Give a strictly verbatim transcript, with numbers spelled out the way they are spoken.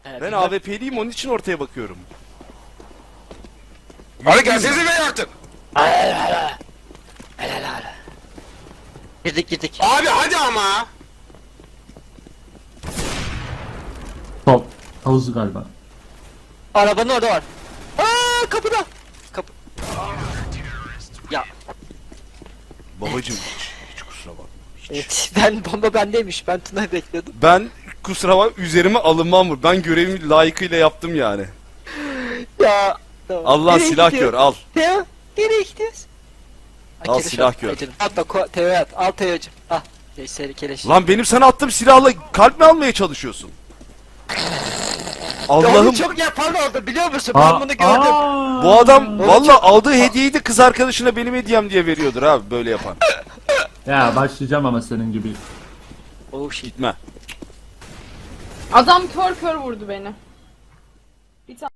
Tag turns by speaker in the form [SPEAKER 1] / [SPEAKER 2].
[SPEAKER 1] Evet,
[SPEAKER 2] Ben A W P'liyim, onun için ortaya bakıyorum.
[SPEAKER 3] Hadi gelsenize beni artık.
[SPEAKER 1] Girdik girdik.
[SPEAKER 3] Abi hadi ama.
[SPEAKER 4] Top. Havuzu galiba.
[SPEAKER 1] Arabanın orada var. Aa kapıda. Kapı. Ya
[SPEAKER 2] Babacım hiç, hiç kusura bakma. Hiç.
[SPEAKER 1] evet, ben bomba bendeymiş. Ben Tuna'yı bekliyordum.
[SPEAKER 2] Ben kusura bakma, üzerime alınmam mı? Ben görevimi layıkıyla yaptım yani.
[SPEAKER 1] Ya. Tamam.
[SPEAKER 2] Allah
[SPEAKER 1] Nereye
[SPEAKER 2] silah
[SPEAKER 1] gidiyor?
[SPEAKER 2] gör, al.
[SPEAKER 1] Teo nereye gidiyoruz?
[SPEAKER 2] Al,
[SPEAKER 1] keleş
[SPEAKER 2] silah
[SPEAKER 1] al.
[SPEAKER 2] gör.
[SPEAKER 1] Ay canım. At bak ko- Teo'ya at. Al Teo'cum. Al. Seri keleş.
[SPEAKER 2] Lan benim sana attığım silahla kalp mi almaya çalışıyorsun?
[SPEAKER 1] Allah'ım
[SPEAKER 2] Allah'ım,
[SPEAKER 1] çok yapan oldu biliyor musun?
[SPEAKER 4] Aa,
[SPEAKER 1] Ben bunu gördüm.
[SPEAKER 4] aa.
[SPEAKER 2] bu adam
[SPEAKER 1] Oğlum
[SPEAKER 2] valla
[SPEAKER 1] çok-
[SPEAKER 2] aldığı hediyeyi de kız arkadaşına benim hediyem diye veriyordur abi, böyle yapan.
[SPEAKER 4] Ya başlayacağım ama senin gibi.
[SPEAKER 1] Oh shit.
[SPEAKER 2] Gitme.
[SPEAKER 5] Adam kör kör vurdu beni. Bir tane